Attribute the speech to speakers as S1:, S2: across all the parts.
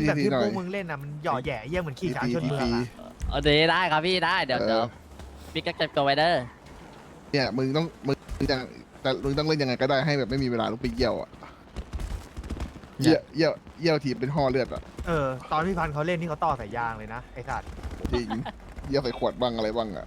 S1: แบบที่
S2: หน่
S1: พ
S2: อ
S1: วย กมึงเล่นน่ะมันหย่อแหย่เยี่ยเหมือนขี่ช้างชนเมืองอะ
S3: เอาดีได้ครับพี่ได้เดี๋ยวพี่ก็เก็บตัวไว้เด้อ
S2: เนี่ยมึงต้องจะแต่มึงต้องเล่นยังไงก็ได้ให้แบบไม่มีเวลาลุกไปเยี่ยวอ่ะเยี่ยวทีเป็นห่อเลือดอ่ะ
S1: ตอนพี่พันธุ์เขาเล่นนี่เขาต่อสายยางเลยนะไอ้สัตว์
S2: จริงเยี่ยวใส่ขวดบ้างอะไรบ้างอ่ะ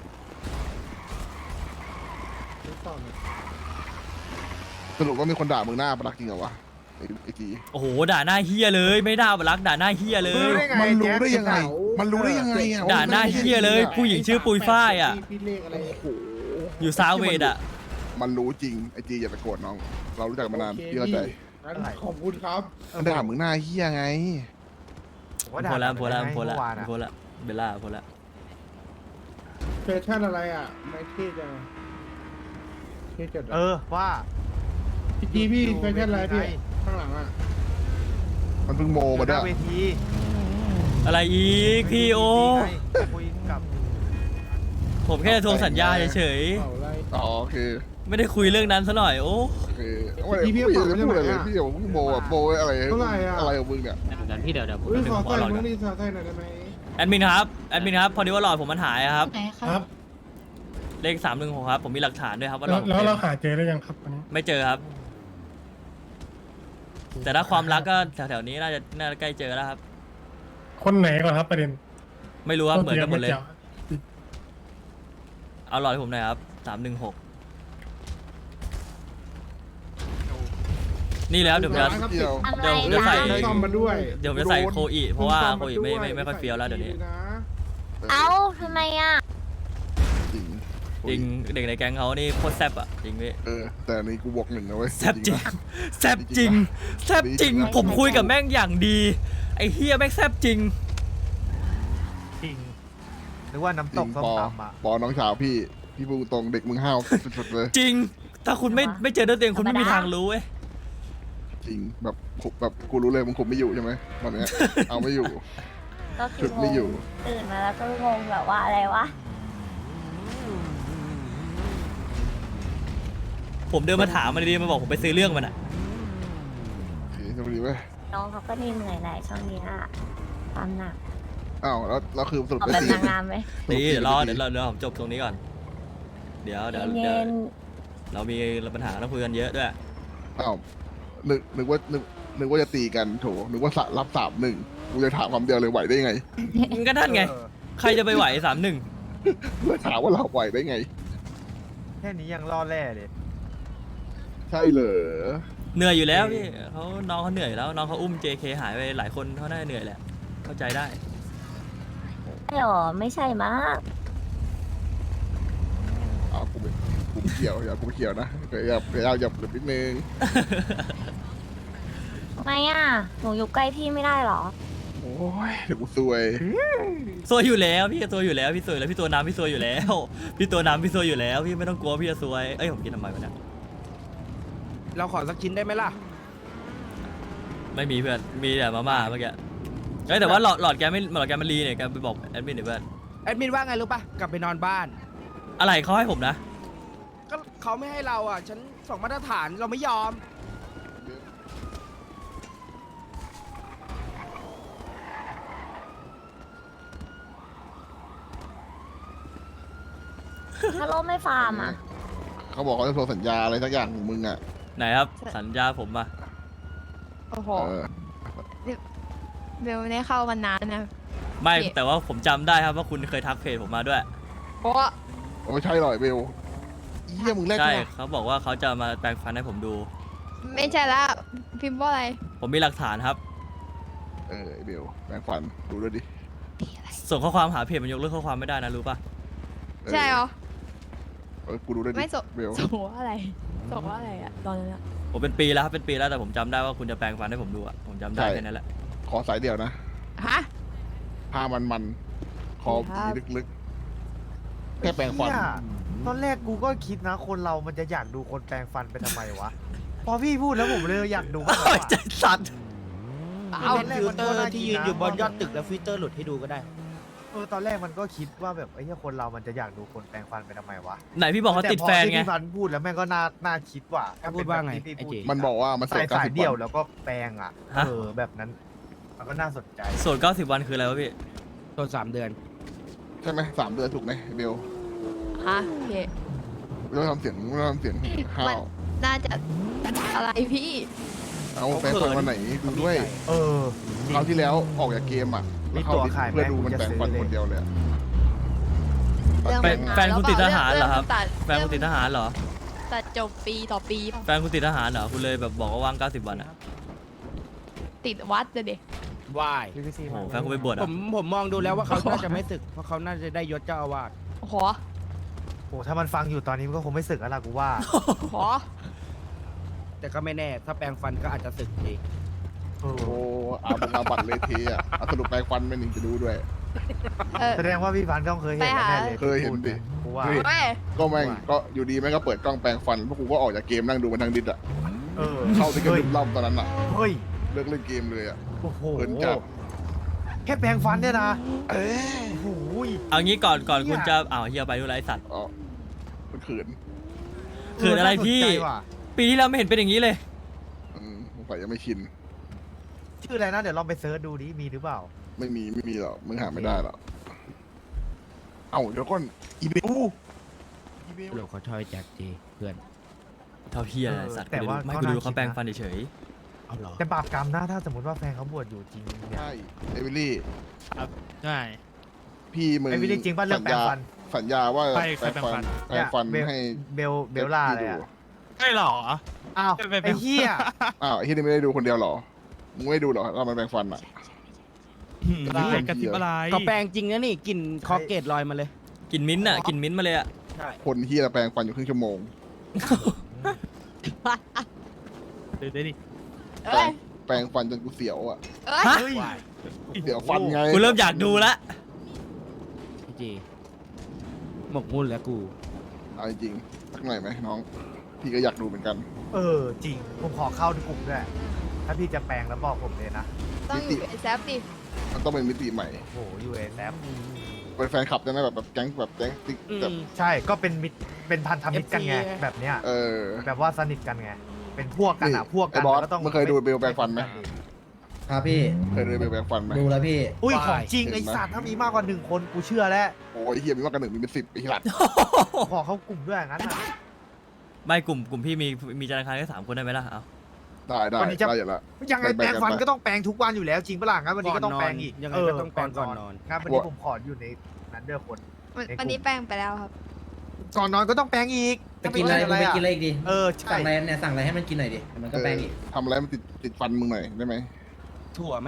S2: สรุปว่ามีคนด่ามึงหน้าประหลักจริงเหรอวะไอ้กี
S4: โอ้โหด่าหน้าเฮียเลยไม่ด่ารักด่าหน้าเฮียเลย
S2: มันรู้ได้ยังไงมันรู้ได้ยังไงอ่ะ
S4: ด่าหน้าเฮียเลยผู้หญิงชื่อปุยฝ้ายอ่ะ
S5: พี่เลขอะไร
S2: โอ้โห
S4: อยู่ซาเวดอ่ะ
S2: มันรู้จริงไอ้จีอย่าไปโกรธน้อง เรารู้จักมานานพี่เข้าใจ
S5: ขอบคุณครับ
S2: มันด่ามึงหน้าเฮียไง
S1: ผมว่า
S4: โพ
S1: ด่า
S4: ละโพละโพละ
S1: เมื่อวานอะ
S4: โพละเบลล่าโพละ
S5: แฟชั่นอะไรอ่ะ ไม่เท่จังเท่จัด
S1: ว่า
S5: พี่แฟชั่นอะไรพี่ข้างหลังอ่ะ
S2: มันเพิ่งโม
S1: อ
S2: มา
S1: ยู่ห
S2: ด้ว
S1: น้าย เวที
S4: อะไรอีกพี่โอ
S1: คุยกับ
S4: ผมแค่ทวงสัญญาเฉย
S5: เป่าอะไร
S2: อ๋อโอเค
S4: ๆไม่ได้คุยเรื่องนั้นซะหน่อยโอ้
S2: โอเคพี่จะพูดอะไรเลยพี่อย่าเพิ่งโมอ่ะโมอะไรอะไรของมึงเนี่ย
S3: เดี๋ยวพี่เดี๋ยวผม
S5: อุ้ยขอใส่มึงนี่ใส่หน่อยได้ไหม
S4: แอดมินครับพอดีว่าหลอดผมมันหายครับ
S6: ไหนครับ
S4: เลข316ครับผมมีหลักฐานด้วยครับว่าหล
S7: แล้
S4: อ
S7: ว
S4: ด
S7: แล้วเราหาเจอได้ยังครับวันนี้
S4: ไม่เจอครับ แต่ถ้าความรักก็แถวๆนี้น่าจะใกล้เจอแล้วครับ
S7: คนไหนก่อนครับประเด็น
S4: ไม่รู้ครับเหมือนกันหมดเลย
S7: กี่ว
S4: เอาหลอดให้ผมหน่อยครับ316นี่แล้วเดี๋ยวผมจะ
S2: เดียว
S6: อะไร
S4: เดี๋ยวผมจะใส่
S6: นะ
S5: ซ่อมมาด้วย
S4: เดี๋ยวผมจะใส่โคอีเพราะว่าโคอีไม่ค่อยเฟี้ยวแล้วเดี๋ยวนี้
S6: เอ้าทำไมอ่ะ
S2: จริง
S4: จริงเด็กในแก๊งเขานี่โคตรแซ่บอ่ะจริงพี่
S2: แต่นี่กูบวกหนึ่งนะเว้ย
S4: แซ่บจริงแซ่บจริงแซ่บจริง ผมคุยกับแม่งอย่างดีไอ้เฮียแม่งแซ่บจริง
S1: จริงหรือว่าน้ำตกส้มตำอ่ะ
S2: ปอน้องสาวพี่พูดตรงเด็กมึงห้าวสุดๆเลย
S4: จริง ถ้าคุณไม่เจอด้วยตัวเองคุณไม่มีทางรู้เว้ย
S2: จริงแบบกูรู้เลยมึงคุมไม่อยู่ใช่ไหมตอนเนี้ยเอาไม่อยู่
S6: ก็คื
S2: ชุ
S6: อ
S2: ด
S6: ง
S2: ไม่อยู่
S6: งตื่นมาแล้วก็งงแบบว่าอะไรวะ
S4: ผมเดินมาถามมันดีๆมาบอกผมไปซื้อเรื่องมันอ่ะ
S2: โอเคจะไปดีเว้ย
S6: น้องเขาก็นี่เหนื่อยหน่อยช่วงนี้อ่ะความหนัก
S2: อ้าวแล้วคือสรุป
S6: ออก
S2: ได้
S6: แบบ
S2: ตี
S6: นางงามไหม
S4: ตีเดี๋ยวผมจบตรงนี้ก่อน เดี๋ยว
S6: เย็น
S4: เรามีปัญหาต้องคุยกันเยอะด้วย
S2: อ้าวนึกว่าจะตีกันโถนึกว่ารับ3-1กูจะถามคำเดียวเลยไหวได้ไง
S4: ก็นั่นไง ใครจะไปไหว3-1
S2: เลยถามว่าเราไหวได้ไง
S1: แค่นี้ยังล่อแร่เลย
S2: ใช่เหรอ
S4: เหนื่อยอยู่แล้วพี่น้องเขาเหนื่อยแล้วน้องเขาอุ้ม JK หายไปหลายคนเขาน่าจะเหนื่อยแหละเข้าใจได้
S6: ไม่หรอไม่ใช่มั้ง
S2: อ้าวกูไม่เกี่ยวกูไม่เกี่ยวนะอย่านิดนึง
S6: ทำไมอ่ะหนูอยู่ใกล้พี่ไม่ได้หรอ
S2: โอ้ยเดี๋ยวกูซวย
S4: ซวยอยู่แล้วพี่ซวยอยู่แล้วพี่ซวยแล้วพี่ตัวน้ำพี่ซวยอยู่แล้ว พี่ตัวน้ำพี่ซวยอยู่แล้วพี่ไม่ต้องกลัวพี่จะซวยเอ้ยผมกินทำไมวะเนี่ย
S8: เราขอสักชิ้นได้ไหมล่ะ
S4: ไม่มีเพื่อนมีแต่มาม่าเมื่อกี้เอ้ยแต่ว่าหลอดแกมันรีเนี่ยแกไปบอกแอดมินหน่อยเพื่อน
S8: แอดมินว่าไงรู้ปะกลับไปนอนบ้าน
S4: อะไรเขาให้ผมนะ
S8: ก็เขาไม่ให้เราอ่ะ ฉันสองมาตรฐานเราไม่ยอม
S6: ถ้าโลไม่ฟาร์มอ่ะ
S2: เขาบอกเขาจะโทรสัญญาอะไรสักอย่างของมึงอ่ะ
S4: ไหนครับสัญญาผมมา
S9: โอ้โห
S2: เออ
S9: เบลไม่ได้เข้ามานานนะ
S4: ไม่
S9: พี่
S4: แต่ว่าผมจำได้ครับว่าคุณเคยทักเพจผมมาด้วย
S9: เพราะว่า
S2: ไม่ใช่หรอกเบลเยี่ยมึงแรก
S4: ใช่
S2: ใช่
S4: เขาบอกว่าเขาจะมาแปลงฟันให้ผมดู
S9: ไม่ใช่ละพิมพ์ว่าอะไร
S4: ผมมีหลักฐานครับ
S2: ไอ้เบลแปลงฟันดูด้วยดิ
S4: ส่งข้อความหาเพจมันยกเลิกข้อความไม่ได้นะรู้ป่ะ
S9: ใช่เหรอ
S2: กูดูด้วยดิ
S9: ไม่ส่ง
S2: เบล
S9: ส่งว่าอะไรส่งว่าอะไรอะตอนนั้นอะ
S4: ผมเป็นปีแล้วครับเป็นปีแล้วแต่ผมจำได้ว่าคุณจะแปลงฟันให้ผมดูอะผมจำได้แค่นั้นแหละ
S2: ขอสายเดียวนะ
S9: ฮะ
S2: ผ้ามันคอผีลึกๆแค่แปลงฟัน
S1: เหี้ยตอนแรกกูก็คิดนะคนเรามันจะอยากดูคนแปลงฟันไปทำไมวะ พอพี่พูดแล้วผมเลยอยากดูมากกว่า
S4: ใจสัตว์
S8: เอา
S1: ตอนแรก
S8: ฟิล
S1: มัน
S8: เตอ
S1: ก็
S8: ร์
S1: น่า
S8: ที่
S1: คิ
S8: ยื
S1: ด
S8: น
S1: นะ
S8: อยู่บนยอดตึกแล้วฟิลเตอร์หลุดให้ดูก็ได้
S1: ตอนแรกมันก็คิดว่าแบบไอ้เหี้ยคนเรามันจะอยากดูคนแปลงฟันไปทำไมวะ
S4: ไหนพี่บอกเขาติดแฟนไง
S1: ต่พอที่พี่พันธุ์พูดแล้วแม่งก็น่าคิดว่า
S8: พูดว่าไง
S1: ที่พี่
S8: ไอ้
S1: พูด
S8: เจ
S2: มันบอกว่ามัน
S1: ใส่
S2: 90
S1: สายเดี่ยวแล้วก็แปลงอ่ะ
S4: ฮะ
S1: แบบนั้นมันก็น่าสนใจ
S4: โสด90 วันคืออะไรวะพี่
S8: ตัว3 เดือน
S2: ใช่ไหม3 เดือนถูกไหมเบล
S9: ฮะพี่
S2: ไม่ต้องทำเสียงไม่ต้องทำเสียงห้า
S9: มัน
S2: ว
S9: น่าจะอะไรพี่
S2: เอาแปลงฟันวันไหนดูด้วย
S1: เออ
S2: คราวที่แล้วออกจากเกมอ่ะ
S1: มี
S2: เข้า
S1: ตัว
S2: ดิส
S1: ขายไหม
S2: เพื่อดูมัน
S1: จะ
S2: แปลง
S1: ซื้อ
S2: ฟัน
S1: เลย
S2: คนเดียวเลยอะ
S9: เรื่อง
S4: แฟน
S9: มั
S4: แฟนคุณติดทหารเหรอครับ
S9: ตัด
S4: แฟนคุณติดทหารเหรอ
S9: ตัดจบปีต่อปี
S4: แฟนคุณติดทหารเหรอคุณเลยแบบบอกว่าว่าง90 วันอ่ะ
S9: ติดวัดเลยเด็ก
S8: วาย
S4: โอ้โหแฟนคุณไปบวช
S8: ผ
S4: อ่ะ
S8: มมองดูแล้วว่าเขาน่าจะไม่ศึก เพราะเขาน่าจะได้ยศเจ้าอาวาส
S9: โอ้โห
S1: โอ้ถ้ามันฟังอยู่ตอนนี้มันก็คงไม่สึกแล้วล่ะกูว่า
S9: โอ้โห
S8: แต่ก็ไม่แน่ ถ้าแปลงฟันก็อาจจะศึกเอง
S1: โอ้
S2: โอ้อาบัตรเลยเทอ่ะเอาสรุปแปลงฟันไม่หนึ่งจะดูด้วย
S9: เออ
S1: แสดงว่าพี่พันธุ์ต้องเคยเห็นแน่เลย
S2: เคยเห็นดิ
S1: กูว่า
S2: เฮ้ย
S9: เว้ย
S2: ก็แม่งก็อยู่ดีแม่งก็เปิดกล้องแปลงฟันพวกกูก็ออกจากเกมนั่งดูมันทางดิสอ่ะ
S1: เออ
S2: เข้าไปเก
S1: เฮ้ย
S2: มรอบตอนนั้นอ่ะ
S1: เฮ้ย
S2: เลิกเล่นเกมเลยอ่ะ
S1: โอ้โห
S2: เอินจัด
S1: แค่แปรงฟันเนี่ยนะ
S2: เอ้ย
S1: โอ้โห
S4: เอางี้ก่อนคุณจะเฮียไปดูไรสัตว์
S2: อ๋อมันเขิน
S4: เขินอะไรพี่
S1: น่าสนใจว่ะ
S4: ปีที่แล้วไม่เห็นเป็นอย่างนี้เลย
S2: สงสัยยังไม่ชิน
S1: ชื่ออะไรนะเดี๋ยวลองไปเซิร์ชดูดิมีหรือเปล่า
S2: ไม่มีหรอกมึงหาไม่ได้หรอกเอ้าเดี๋ยวก่อนอีเบลอีเบล
S8: เดี๋ยวเขาชอยแจ็คเจเพื่อน
S4: เท่าเฮียอะไรสัตว์
S1: แต่ว่า
S4: ไม่
S1: ก็
S4: กู
S1: น่า
S4: ดูเขา
S1: คิดนะ
S4: แปรงฟันเฉย
S8: เอาเหรอ
S1: แต่บาปกรรมนะถ้าสมมติว่าแฟนเขาบวชอยู่จริงเนี่ย
S2: ใช่เอวิลี่
S7: ใช่
S2: พี่มึง
S1: ไอ้วิลลี่จริงป่ะเรื่องแปรงฟัน
S2: สัญญาว่า
S7: ใครแปรงฟัน
S2: แปรงฟัน
S1: เนี่ย
S2: ให้
S1: เบลล่าอะไรอะ
S7: ใช่หรอ
S1: อ้าว
S7: ไปแปรง
S1: ไอ้เหี้ย
S2: อ้าวไอ้ที่นี่ไม่ได้ดูคนเดียวเหรอมึงไม่ดูเหรอเรามันแปรงฟันอ่ะ
S7: อะไรกระติบอะไร
S8: ก็แปลงจริงนะนี่กลิ่นคอเกตลอยมาเลย
S4: ๆกินมิ้นท์อ่ะกินมิ้นท์มาเลยอ่ะ
S8: ใช่
S2: คนที่แปรงฟันอยู่ครึ่งชั่วโมง
S7: เดี๋ยวดิ
S9: เอ้ย
S2: แปรงฟันจนกูเสียวอ่ะ
S9: เอ้ย
S4: ฮะ
S1: เฮ้ย
S2: เดี๋ยวฟันไง
S4: กูเริ่มอยากดูละ
S8: พี่เจหมกมุ่นแล้วกู
S2: เอาจริงๆสักหน่อยไหมน้อง พี่ก็อยากดูเหมือนกัน
S1: เออจริงผมขอเข้ากลุ่มด้วยถ้าพี่จะแปลงแล้วบอกผมเลยนะ
S9: ต้องอยู่ไอแซฟดิ
S2: มันต้องเป็นมิติใหม่
S1: โอ้โหยูเอแซฟ
S2: เป็นแฟนคลับได้ไหมแบบแก๊งแบบแก๊งติ๊ก
S8: อืม
S2: แบบ
S1: ใช่ก็เป็นมิตรเป็นพันธมิตรกันไง
S8: FC
S1: แบบเนี้ย
S2: เออ
S1: แบบว่าสนิทกันไงเป็นพวกกันอ่ะ
S2: นี่
S1: พวกกัน
S2: ไอ้บอส
S1: ก็ต้อง
S2: มึงเคยดูเบลแปรงฟันไหม
S10: ครับพี่
S2: เคยดูเบลแปรงฟันไหม
S10: ดูแล้วพี่
S1: อุ้ย
S8: Why?
S1: ของจริง
S2: เห็นไหม
S1: ไอสัตว์ถ้ามีมากกว่า1 คนกูเชื่อแล้ว
S2: โอ้ยเฮียมีมากกว่า1มีเป็น10ไอ้หลัด
S1: ขอเข้ากลุ่มด้วยงั้นอ่ะ
S4: ไม่กลุ่มพี่มีธนาคารแค่3 คนได้ไหมล่ะเอา
S2: ได้
S1: วันนี้จะ
S2: ได้อยู่แล้ว
S1: ยังไง
S2: แป
S1: แป
S2: ล
S1: รง ง
S2: กัน
S1: ฟัน
S2: ไป
S1: ก็ต้องแปรงทุกวันอยู่แล้วจริงปะล่ะงั้นวันนี้ก็ต้องแปรงอีก
S8: ยังไงก็ต้องแปรงก่อนนอน
S1: งั้นวันนี้ผมขออยู่ในนั้นเด้อคน
S9: วันนี้แปลงไปแล้วครับ
S1: ก่อนนอนก็ต้องแปรงอีก
S10: ไปกินอะไรมึงไปกินอะไรอีกดิ
S1: เออใช่
S10: สั่งอะไรเนี่ยสั่งอะไรให้มันกินหน่อยดิเดี๋ยวมันก็แป้งอีก
S2: ทำอะไรมันติดฟันมึงหน่อยได้ไหม
S8: ถั่วไหม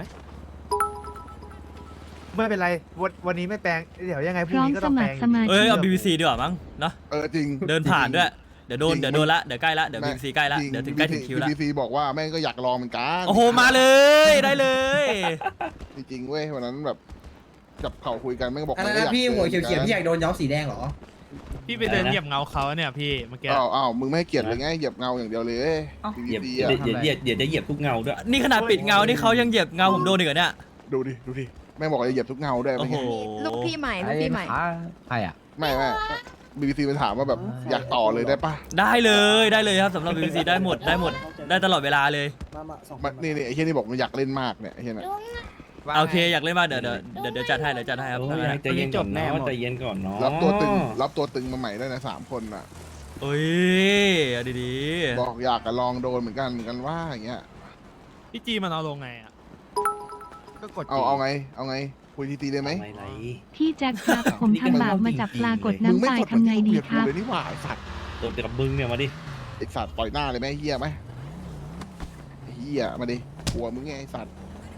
S1: ไม่เป็นไรวันนี้ไม่แปรงเดี๋ยวยังไงพ
S6: พ
S1: รุ่ง
S6: ร้อม
S1: นี้ก็
S6: ส
S1: ต้องแป
S6: มั
S1: ร
S6: ค
S1: ง
S6: รสมา
S4: เอ้ย
S6: ชิก
S4: เอา BBC ดีกว่ามั้งเนาะ
S2: จริง
S4: เดินผ่านด้วย เดี๋ยวโดน
S2: จริง
S4: เดี๋ยวโดนละเดี๋ยวใกล้ละเดี๋ยว
S2: แม่
S4: BBC ใกล้ละเดี๋ยวถึงใกล้ถึงคิวละ
S2: BBC บอกว่าแม่งก็อยากลองเหมือนกัน
S4: โอ้โหมาเลยได้เลย
S2: จริงๆเว้ยวันนั้นแบบจับเข่าคุยกันแม่งก็บอก
S10: อะไร
S2: มันก็อ
S10: นะ
S2: ยาก
S10: พี่หัวเขียวๆพี่อยาก
S2: จ
S10: โดนย้อมสีแดงเหรอ
S7: พี่ไปเดินเหยียบเงาเขาเนี่ยพี่เมื่อกี้
S2: อ้าวมึงไม่ให้เกียรติเลยไงเหยียบเงาอย่างเดียวเลย
S11: เหยียบ
S2: BBC
S11: เดี๋ยว
S2: อะ
S11: เดี๋ยวจะเหยียบทุกเงาด้วย
S4: นี่ขนาดปิดเงานี่เขายังเหยียบเงาผมโดนอีกเหรอเนี่ย
S2: ดูดิแม่งบอกจะเหยียบทุกเงาด้วย
S4: โอ้
S2: ไม่
S4: โห
S2: ไง
S9: ลูกพี่ใหม่ลูกพี่ใหม่
S8: ใครอ่ะ
S2: ไม่ BBC ไปถามว่าแบบอยากต่อเลยได้ปะ
S4: ได้เลยครับสำหรับ BBC ได้หมดได้ตลอดเวลาเลย
S2: นี่ไอ้เฮียนี่บอกมันอยากเล่นมากเนี่ยไอ้เฮียน่ะ
S4: โอเคอยากเล่นมากเดี๋ยวจัดให้ครับ
S11: โอ้ยใจเย็นก่อนเนาะใจเย็นก่อนเนาะ
S2: รับตัวตึงมาใหม่ได้นะ3 คนน่ะ
S4: โอ้ยเอาดี
S2: บอกอยากจะลองโดนเหมือนกันว่าอย่างเงี้ย
S7: พี่จีมันเอาลงไงอ่ะ
S8: ก็กด
S2: เอาไงคุยทีได้ไหม
S11: ไร
S6: พี่แจ็คครับ ผมทำบาปมาจับปลากด
S2: มึง
S6: น้ำ
S2: ไม่
S6: ตาย
S2: กด
S6: ทำไงดี
S2: เกลีย
S6: ครับ
S2: เลยนี่หว่าไอสัตว์
S11: ตัวกับมึงเนี่ยมาดิ
S2: ไอสัตว์ปล่อยหน้าเลยไหมเฮียไหมเฮียมาดิกลัวมึงไงไอสัตว์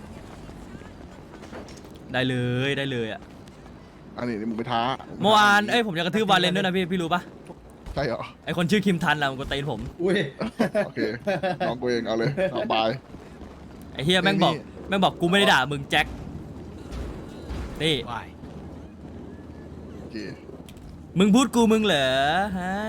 S4: ๆได้เลยอ่ะ
S2: อันนี้มึงไปท้า
S4: เมื่อวานผมจะกระทืบวาเลนด้วยนะพี่รู้ปะ
S2: ใช่เหรอ
S4: ไอคนชื่อคิมทันอะมันก็ตีนผม
S10: อุ้ย
S2: โอเคน้องกูเองเอาเลยสบาย
S4: ไอเฮียแม่งบอกกูไม่ได้ด่ามึงแจ็คนี่
S8: วาย
S2: โอเค
S4: มึงพูดกูมึงเหรอฮะ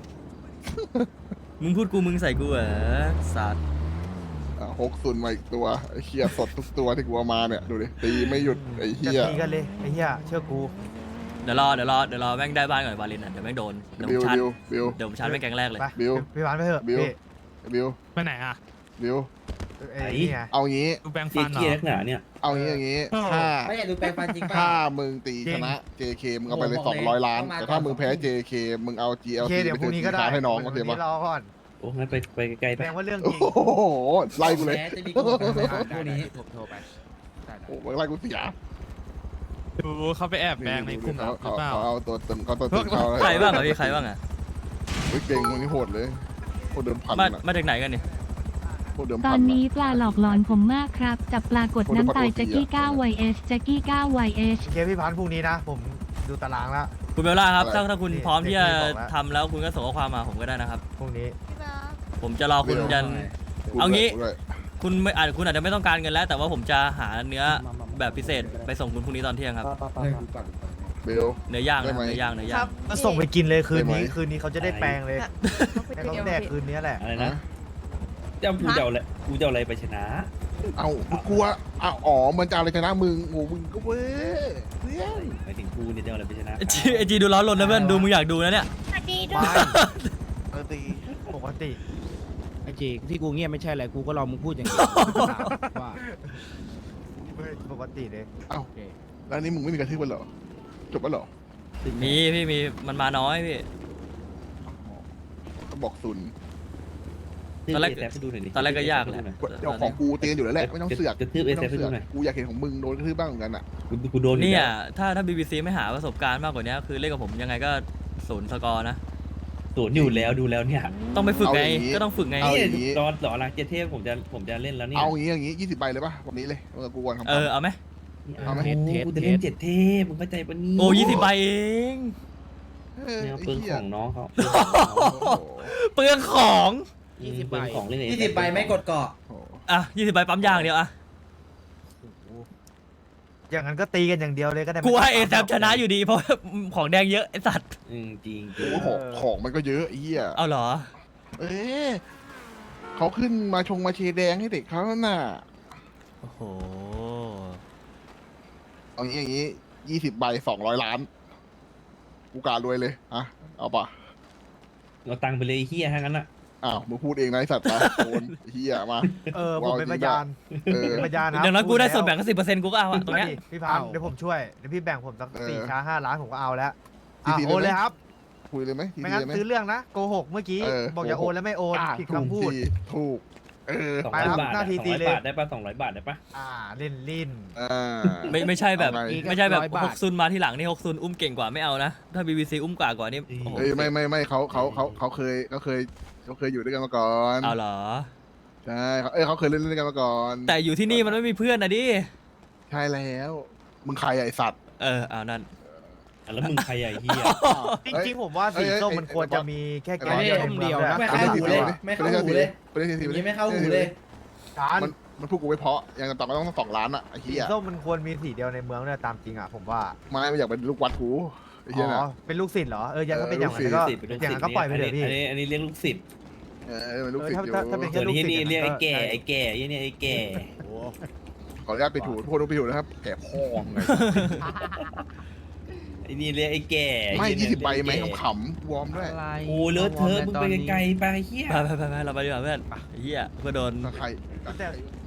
S4: มึงพูดกูมึงใส่กูเหรอสัตว์
S2: 60มาอีกตัวไอ้เฮียสดทุกตัวที่กูเอามาเนี่ยดูดิตีไม่หยุดไอ้
S1: จะ
S2: เฮีย
S1: ตีกันเลยไอ้เหี้ยเชื่อกู
S4: เดี๋ยวรอแม่งได้บ้านก่อนวาเลนอ่ะเดี๋ยวแม่งโดนเดี๋ยวผมชาร์จ
S2: บิว
S4: เดี๋ยวผมชาร์จแม่งแกงแรกเลย
S1: ไป
S2: บิว
S1: พี่หวานไปเถอะ
S2: บิว
S1: พี่
S2: บิว
S7: ไปไหนอ่ะ
S2: บิว
S1: ไปเอ้ยนี่ไง
S2: เอางี้
S7: ดูแปลง
S11: เจ๊
S7: ฟันเหร
S11: เกีย
S7: อ
S11: นักหนาเนี่ย
S2: เอางี้อย่างงี้ถ้า
S10: ไม่อยากดูแปลงฟันจริงป่ะ
S2: ถ้ามึงตีชนะ JK มึงเอาไปเลย200 ล้าน แต่ถ้ามึงแพ้ JK มึงเอา
S1: โอ
S2: GLC
S1: เคเดี๋ยว
S2: ไป
S1: พรุ่
S2: ซื้
S1: ง
S2: อ
S1: นี้ก็ได้
S2: สินค้าให้น้องโอเค
S1: วัน
S2: ปะ
S1: นี้รอก่อน
S11: โอ้งั้นไปไกลๆ
S1: แส
S11: ไป
S1: ดงว่าเรื่องจ
S2: โอ้
S1: ริง
S2: โหไล่กูเลย
S10: แพ้จะมีโกงไหมพวกนี้
S8: ผมโทรไปได้
S2: โอ้โหไล่กูเสีย
S7: ดูเขาไปแอบแปลงในกลุ่ม
S2: เขา
S7: หรือเปล่า
S2: เอาตัวตึงเขาตัวตึงเขา
S4: ใครบ้างอ่ะพี่ใครบ้างอ่ะ
S2: เฮ้ยเก่งมึงนี่โหดเลยโหดเดิมพัน
S4: มา
S2: อะ
S4: มาจากไหนกันเนี่ย
S2: โหดเดิม
S6: ต
S2: พั
S6: อน น
S2: อะ
S6: นี้ปลาหลอกหลอนผมมากครับ จับปลากดน้ำตายแจ็กกี้9 YS แจ็กกี้9 YS
S1: โอเคพี่พันธุ์พรุ่งนี้นะ ผมดูตารางแล้ว
S4: คุณเบลล่าครับถ้าคุณ
S1: นี่
S4: พร้อมที่จะ
S1: เด็กพี่บอกแล้ว
S4: ทำแล้วคุณก็ส่งข้อความมาผมก็ได้นะครับ
S1: พรุ่งนี้
S4: ผมจะรอคุณยัน
S2: กู
S4: เอางี้
S2: ด้วย
S4: คุณไม่อาจคุณอาจจะไม่ต้องการเงินแล้ว แต่ว่าผมจะหาเนื้อแบบพิเศษไปส่งคุณพรุ่งนี้ตอนเที่ยงครับ
S2: เบล
S4: เนื้อย่าง
S2: ได้
S4: นะ
S2: ไหม
S4: เนื้อย่างเนื้อย่าง
S1: ก็ส่งไปกินเลยคืนนี้
S2: ได้ไหม
S1: คืนนี้เขาจะได้แปลงเลยให้เขาแดกคืนนี้แหละ
S11: อะไรนะเจ้ากูจะเอาอะไรกูจะเอาอะไรไปชนะ
S2: เอากูกลัวเอาอ๋อมันจะเอาอะไรชนะมึงโอ้มึงก็เว้ยเพื่อน
S11: หมายถึงกูเนี่ยจะเอาอะไรไปชนะ
S4: ไอจีดูร้อนรนนะเพื่อนดูมึงอยากดูนะเนี่ย
S6: สวัสดีด้ว
S1: ไม่
S6: ย
S2: ปกติ
S1: ปกติ
S8: ไอ้จีที่กูเงียบไม่ใช่อะไรกูก็รอมึงพูดอย่างนี้ว่า
S1: ปกติเลย
S2: เอ้าแล้วอันนี้มึงไม่มีกระทืบมันเหรอจบแล้วเหรอ
S4: มีพี่มีมันมาน้อยพี่
S2: ก็บอกศูนย์
S4: ตอนแรก
S11: เซฟให้ดูหน่อยดิ
S4: ตอนแรกก็ยากแหละ
S2: เจ้าของกูเตียนอยู่แล้วแหละไม่ต้องเสือก
S11: กระทืบเอ
S2: ไม่
S11: เซ
S2: ต้อ
S11: ฟ
S2: ง
S11: ให้
S2: เสื
S11: ดู
S2: อก
S11: หน่อย
S2: กูอยากเห็นของมึงโดนกระทืบบ้างเหมือนกันอ่ะ
S11: กูโดนอยู่
S4: เนี่ย
S11: แล้ว
S4: ถ้า BBC ไม่หาประสบการณ์มากกว่านี้คือเล่นกับผมยังไงก็0สกอร์นะ
S11: ศูนย์อยู่แล้วดูแล้วเนี่ย
S4: ต้องไปฝึกไง
S2: เอาอย่างนี้
S4: ก็ต้องฝึกไง
S2: เอา
S11: นี่
S2: อย่างนี้
S11: ตอนหล่อหลังเจเทพผมจะเล่นแล้วเนี่ย
S2: เอาอย่างงี้20 ใบเลยป่ะวันนี้เลยเออกูวันทำ
S4: เอาไหม
S2: เอาไหม
S11: กูจะเล่นเจ็ดเทพมึงเข้าใจปะนี่
S4: โอ้20 ใบเอง
S11: แนวเปลืองของน้องเขา
S4: เปลืองของ
S8: 20
S11: เปลืองของเล่น
S10: 20 ใบไม่กดเกาะ
S4: อ่ะ20 ใบปั๊มยางเดียวอ่ะ
S1: อย่างนั้นก็ตีกันอย่างเดียวเลยก็ได้
S4: กูให้เอแซชนะอยู่ดีเพราะของแดงเยอะไอสัตว์
S11: จริง
S2: โอ้โหของมันก็เยอะไอ้เหี้ย
S4: เอาเหรอ
S2: เอ๊ะเขาขึ้นมาชงมาเชแดงให้เด็กเขาน่ะ
S4: โอ้โห
S2: เอางี้อย่างงี้20 ใบ200 ล้านกูการรวยเลยอะเอาป่ะ
S11: เอาตังค์ไปเลยเฮียทั้งนั้นอ่ะ
S2: อ้าวมึงพูดเองนะไอสัตว์นะโอนไอ้เหี้ยมา
S1: ผมเป็นพยาน
S2: เออ
S1: เป็นพยานนะ
S4: อย่างน้อยกูได้ส่วนแบ่งก็10%กูก็เอาอะตรงเนี้ย
S1: พี่พันธุ์เดี๋ยวผมช่วยเดี๋ยวพี่แบ่งผมสัก
S2: เออ
S1: 4 ช้า 5 ล้านผมก็เอาแล้ว
S2: ทีที
S1: โอนเลยครับ
S2: คุยเลยไหมที
S1: ไม่
S2: ที
S1: งั้น
S2: เลยไหม
S1: ซื้อเรื่องนะโกหกเมื่อกี้
S2: เออ
S1: บอกอย่าโอนแล้วไม่โอน
S2: อ่ะ
S1: ผิดคำพูด
S2: ถูกเออ
S1: ไปครับ
S11: 200 บาท
S1: หน้าที่ตีเลย
S11: 200 บาทได้ปะ200 บาทได้ปะ
S1: เล่นลิ้น
S2: อ่า
S4: ไม่ใช่แบบ
S2: เอาไง
S4: ไม่ใช่แบบ
S8: 100 บาท
S4: 6ซุนมาที่หลังนี่6ซุนอุ้มเก่งกว่าไม่เอานะ ถ้า BBC อุ้มกว่านี่โอ้โห
S2: เอ้ยไม่เขาเคยอยู่ด้วยกันมาก่อน
S4: เอาเหรอ
S2: ใช่เขาเคยเล่นด้วยกันมาก่อน
S4: แต่อยู่ที่นี่มันไม่มีเพื่อนนะดิ
S2: ใช่แล้วมึงใครอะไอสัตว์
S4: เอานั่น
S11: แล้วมึงใครใหญ่เฮีย
S1: จริงๆผมว่าสีส้มมันควรจะมีแค่แก๊ง
S2: เอ้ย
S1: เดียวในเมือง
S10: ไม่
S1: ด้วย
S10: เข้าหูเลยไม่เข้าหูเลย
S2: ไปเล่นที
S10: อ
S2: ที
S10: ย่างนี้ไม่เข้าหูเลย
S1: การ
S2: มันพูดกูไม่เพราะยังต่อก็ต้อง2 ล้านอะไอ้
S1: สี
S2: เหี้ย
S1: ส้มมันควรมีสีเดียวในเมืองเนี่ยตามจริงอ่ะผมว่า
S2: ไม่อยากเป็นลูกวัดกูไอ้เหี้ยนะ
S1: เป็นลูกศิษย์เหรอยังก็เป็นอย่างนั้น
S2: ลู
S1: ก็
S2: กศิษย์
S1: อย่างนั้นก็ปล่อยไปเถอะพี่
S11: อันนี้เรียกลูกศิษย์
S2: เป็นลูกศิษย์อยู่
S1: ถ้าเป็น
S11: ส่วนที่นี่เรียกไอ้แก่ไอ้แก่ยี่นี่ไอ้แก่
S2: ขออนุญาตไปถูโทษไปถูนะครับแอบพ่องเลย
S11: ไอ้นี่เรียกไอ้แก่
S2: ไม่20 ใบไหมขำๆวอร์มด้วย
S11: โอ้เลอะเทอะมึงไปไกลๆไปเฮีย
S4: ไปเราไปดีกว่าเพื่อนไอ้เหี้ยเพื่อโดน
S2: ใคร
S1: แต่